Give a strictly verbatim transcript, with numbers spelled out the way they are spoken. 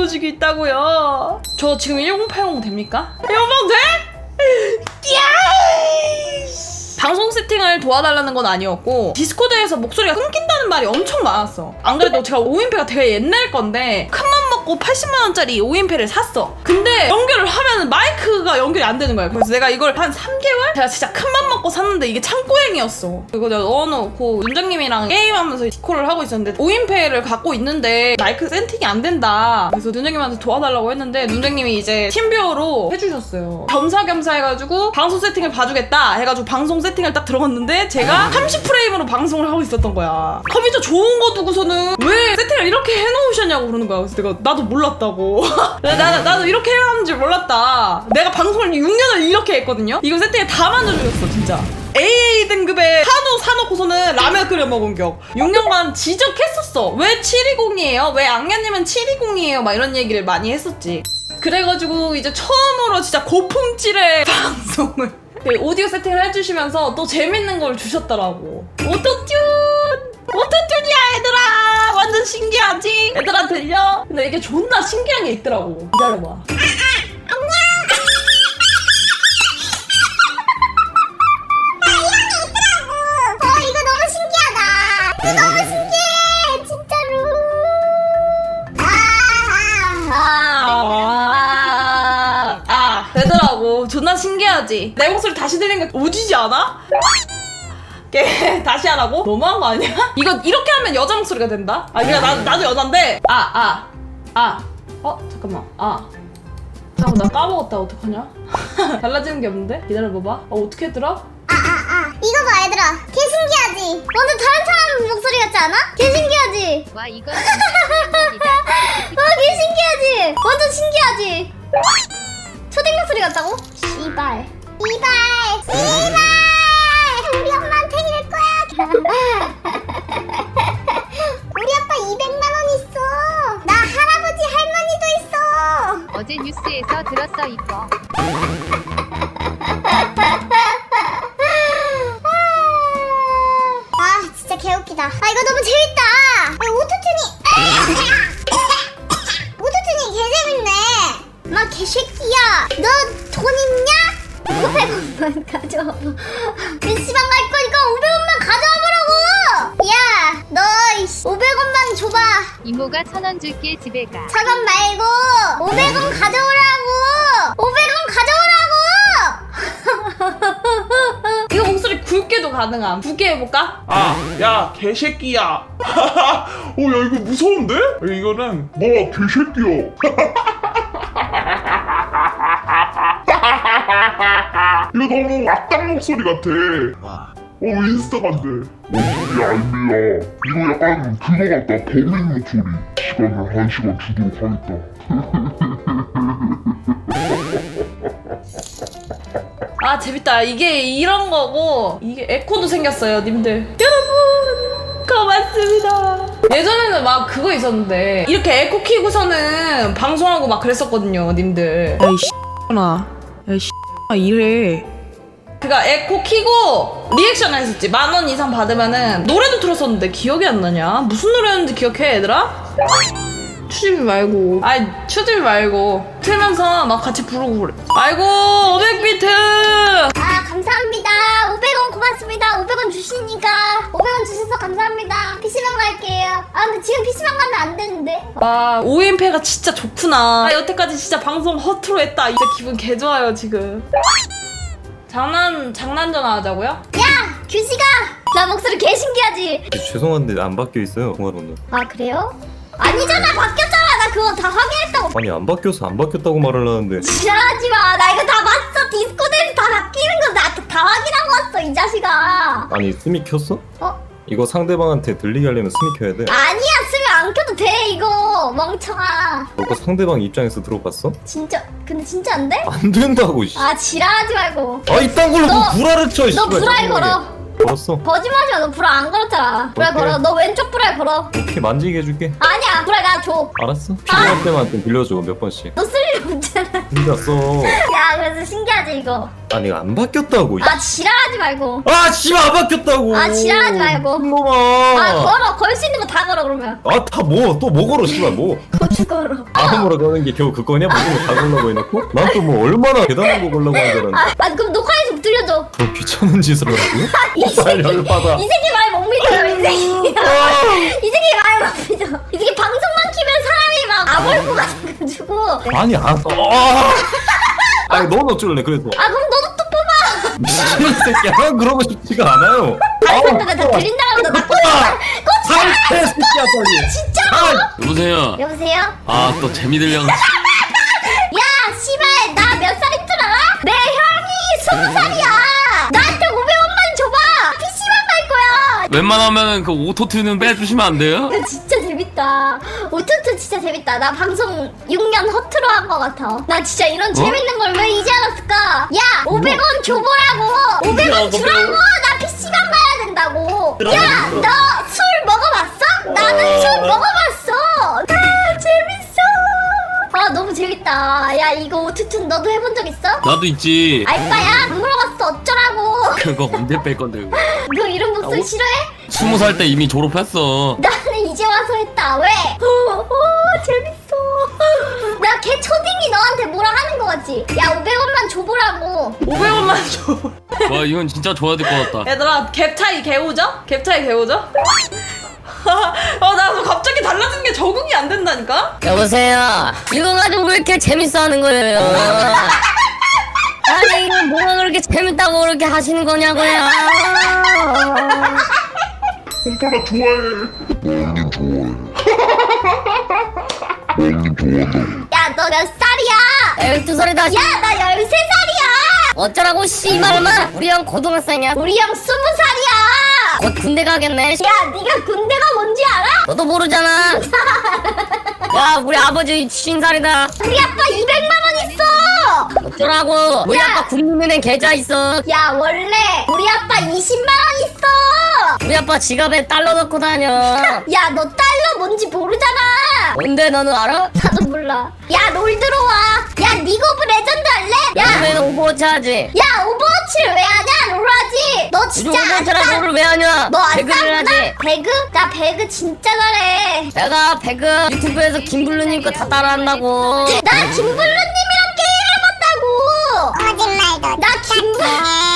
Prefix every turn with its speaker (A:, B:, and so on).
A: 가지고 있다고요. 저 지금 일공팔공 됩니까? 일공팔공 돼? 야! 방송 세팅을 도와달라는 건 아니었고 디스코드에서 목소리가 끊긴다는 말이 엄청 많았어. 안 그래도 제가 오인패가 되게 옛날 건데 큰맘 먹고 팔십만 원짜리 오인패를 샀어. 근데 연결을 하면은 마이크가 연결이 안 되는 거야. 그래서 내가 이걸 한 삼 개월? 제가 진짜 큰맘 먹고 샀는데 이게 창고행이었어. 그리고 내가 넣어놓고 윤정님이랑 게임하면서 디코를 하고 있었는데 오인패를 갖고 있는데 마이크 세팅이 안 된다. 그래서 윤정님한테 도와달라고 했는데 윤정님이 이제 팀뷰어로 해주셨어요. 겸사겸사 해가지고 방송 세팅을 봐주겠다 해가지고 방송 세팅 세팅을 딱 들어갔는데 제가 삼십 프레임으로 방송을 하고 있었던 거야. 컴퓨터 좋은 거 두고서는 왜 세팅을 이렇게 해놓으셨냐고 그러는 거야. 그래서 내가 나도 몰랐다고. 나, 나, 나도 이렇게 해야 하는 줄 몰랐다. 내가 방송을 육 년을 이렇게 했거든요. 이거 세팅을 다 만들어줬어 진짜. 에이에이 등급의 한우 사놓고서는 라면 끓여 먹은 격. 육 년간 지적했었어. 왜 칠이공이에요? 왜 악녀님은 칠이공이에요? 막 이런 얘기를 많이 했었지. 그래가지고 이제 처음으로 진짜 고품질의 방송을 오디오 세팅을 해주시면서 또 재밌는 걸 주셨더라고. 오토튠! 오토튠이야 얘들아! 완전 신기하지? 얘들아 들려? 근데 이게 존나 신기한 게 있더라고. 기다려봐. 존나 신기하지? 내 목소리 다시 들리는 거 오지지 않아? 걔 다시 하라고? 너무한 거 아니야? 이거 이렇게 하면 여자 목소리가 된다? 아 그러니까 나, 나도 여잔데 아 아 아 어? 잠깐만 아 잠깐 나 까먹었다. 어떡하냐? 달라지는 게 없는데? 기다려봐봐. 어 어떻게 했더라?
B: 아, 아, 아. 이거 봐, 얘들아. 개 신기하지? 완전 다른 사람 목소리 같지 않아? 개 신기하지?
C: 와 이건
B: 와, 개 신기하지? 완전 신기하지? 초딩 목소리 같다고? 씨발. 씨발. 씨발. 우리 엄마한테 이럴 거야. 우리 아빠 이백만 원 있어. 나 할아버지 할머니도 있어.
C: 어제 뉴스에서 들었어 이거.
B: 아 진짜 개웃기다. 아 이거 너무 재밌다. 아, 오토튠이 오토튠이 개재밌네. 마 개새끼야 너 돈 있냐? 오백 원만 가져와봐. 피시방 갈 거니까 오백 원만 가져와보라고. 야 너 오백 원만 줘봐.
C: 이모가 천 원 줄게 집에 가.
B: 천 원 말고 오백 원 가져오라고. 오백 원 가져오라고.
A: 이거 목소리 굵게도 가능함. 굵게 해볼까?
D: 아, 야, 개새끼야. 어, 야, 이거 무서운데? 이거는 뭐 개새끼야. 이거 너무 악당 목소리 같아. 어, 인스타 간대. 목소리 알미야. 이거 약간 그거 같다. 범인 목소리. 시간을 한 시간 주도록 하겠다.
A: 아 재밌다. 이게 이런 거고 이게 에코도 생겼어요 님들. 여러분 고맙습니다. 예전에는 막 그거 있었는데 이렇게 에코 키고서는 방송하고 막 그랬었거든요 님들. 야이 씨나 야이 씨나 이래. 그니까 에코 키고 리액션을 했었지. 만 원 이상 받으면은 노래도 틀었었는데 기억이 안 나냐? 무슨 노래였는지 기억해 얘들아? 추집이 말고 아이 추집이 말고 틀면서 막 같이 부르고 그래. 아이고 오백 비트.
B: 아 감사합니다. 오백 원 고맙습니다. 오백 원 주시니까 오백 원 주셔서 감사합니다. 피시방 갈게요. 아 근데 지금 피시방 가면 안 되는데.
A: 아 오인패가 진짜 좋구나. 아 여태까지 진짜 방송 허투루 했다. 이제 기분 개 좋아요 지금. 장난 장난 전화 하자고요?
B: 야 규식아 나 목소리 개 신기하지?
E: 죄송한데 안 바뀌어 있어요 통화로는.
B: 아 그래요? 아니잖아 바뀌었잖아. 나 그거 다 확인했다고.
E: 아니 안 바뀌어서 안 바뀌었다고 말을 하는데.
B: 지랄하지마. 나 이거 다 봤어. 디스코드에서 다 바뀌는 거 나 다 확인하고 왔어 이 자식아.
E: 아니 스미 켰어?
B: 어?
E: 이거 상대방한테 들리게 하려면 스미 켜야 돼.
B: 아니야 쓰면 안 켜도 돼 이거 멍청아.
E: 너가 상대방 입장에서 들어봤어?
B: 진짜 근데 진짜 안 돼?
E: 안 된다고 씨.
B: 아 지랄하지 말고.
E: 아 이딴 걸로
B: 너-
E: 뭐 불화를 쳐.
B: 너
E: 씨발,
B: 불알
E: 짜증나게.
B: 걸어.
E: 걸었어.
B: 거짓말하지 마. 너 불알 안 걸었잖아. 불알
E: 오케이.
B: 걸어. 너 왼쪽 불알 걸어.
E: 오케이 만지게 해줄게.
B: 아니야 불알 나 줘.
E: 알았어. 필요할 때만 좀 빌려줘 몇 번씩.
B: 너 쓸 일 없잖아.
E: 생겼어.
B: 야 그래서 신기하지 이거.
E: 아니 이거 안 바뀌었다고.
B: 아 지랄하지 말고.
E: 아 씨발 안 바뀌었다고.
B: 아, 지랄하지 말고.
E: 놈아.
B: 아 걸어 걸 수 있는 거 다 걸어 그러면.
E: 아 다 뭐 또 뭐 걸어 씨발 뭐.
B: 고추 걸어.
E: 아무로 가는 게 겨우 그거냐? 모든 거다 걸라고 해놓고? 난 또 뭐 얼마나 대단한 거 걸라고 하는 줄 알았는데.
B: 아, 아 그럼 녹화해서 들려줘.
E: 그 귀찮은 짓을 하라고요?
B: 이 새끼
E: 아, 열받아.
B: 이 새끼 말 못 믿어요 이 새끼. 이 새끼 말 못 믿어. 이 새끼 방송만 키면 사람이 막 아벌고 가가지고.
E: 아니 안 아. 아니 넌 어쩔래 그래서.
B: 아 그럼 너도 또 뽑아.
E: 미친 새끼야. 난 그러고 싶지가 않아요.
B: 아이 근데 나 들린다고 나 꼬치 꼬치
E: 상태 새끼야 빨리.
B: 진짜로.
E: 아,
F: 여보세요.
B: 여보세요?
F: 아 또 재미 들려.
B: 야 씨발 나 몇 살인 줄 알아? 내 형이 스무 살이야. 나한테 오백원만 줘봐. 피씨방 갈 거야.
F: 웬만하면 그 오토튠은 빼주시면 안 돼요?
B: 이거 진짜 재밌다. 오투투 진짜 재밌다. 나 방송 육 년 허투루 한 거 같아. 나 진짜 이런 재밌는 걸 왜 이제 알았을까? 야 오백원 줘보라고. 오백원 주라고. 나 피씨방 가야 된다고. 야 너 술 먹어봤어? 나는 술 먹어봤어. 아 재밌어. 아 너무 재밌다. 야 이거 오투투 너도 해본 적 있어?
F: 나도 있지.
B: 알바야? 안 물어봤어 어쩌라고.
F: 그거 언제 뺄 건데 그거.
B: 너 이런 목소리
F: 어?
B: 싫어해?
F: 스무 살 때 이미 졸업했어.
B: 나는 이제 와서 했다. 왜? 오, 오 재밌어. 나 걔 초딩이 너한테 뭐라 하는 거 같지? 야 오백원만 줘보라고.
A: 오백원만 줘.
F: 와 이건 진짜 줘야 될 것 같다.
A: 얘들아 갭 차이 개우죠? 갭 차이 개우죠? 아나 갑자기 달라진 게 적응이 안 된다니까?
G: 여보세요. 이거 가지고 왜 이렇게 재밌어하는 거예요? 아니 이거 뭐가 그렇게 재밌다고 그렇게 하시는 거냐고요?
D: 오빠나 좋아해. 멍님 좋아해. 멍님 좋아한다고.
B: 야 너 몇 살이야?
G: 열두 살이다.
B: 야 나 열세 살이야.
G: 어쩌라고 씨발마. 우리 형 고등학생이야.
B: 우리 형 스무 살이야.
G: 곧 군대 가겠네.
B: 야 네가 군대가 뭔지 알아?
G: 너도 모르잖아. 야 우리 아버지 쉰 살이다.
B: 우리 아빠 이백만 원 있어.
G: 어쩌라고. 우리
B: 야.
G: 아빠 국민은행 계좌 있어.
B: 야 원래 우리 아빠 이십만 원 있어.
G: 우리 아빠 지갑에 달러 넣고 다녀.
B: 야 너 달러 뭔지 모르잖아.
G: 뭔데 너는 알아?
B: 나도 몰라. 야 롤 들어와. 야 리그 오브 레전드 할래? 야,
G: 요즘에는 오버워치 하지.
B: 야 오버워치를 왜 하냐? 롤 하지. 너
G: 요즘
B: 진짜 안
G: 오버워치랑
B: 싸.
G: 롤을 왜 하냐?
B: 너안
G: 배그를
B: 싸구나?
G: 하지.
B: 배그? 나 배그 진짜 잘해.
G: 내가 배그 유튜브에서 김블루님 거 다 따라한다고.
B: 나 김블루님이랑 게임해봤다고. 거짓말도. 나 김블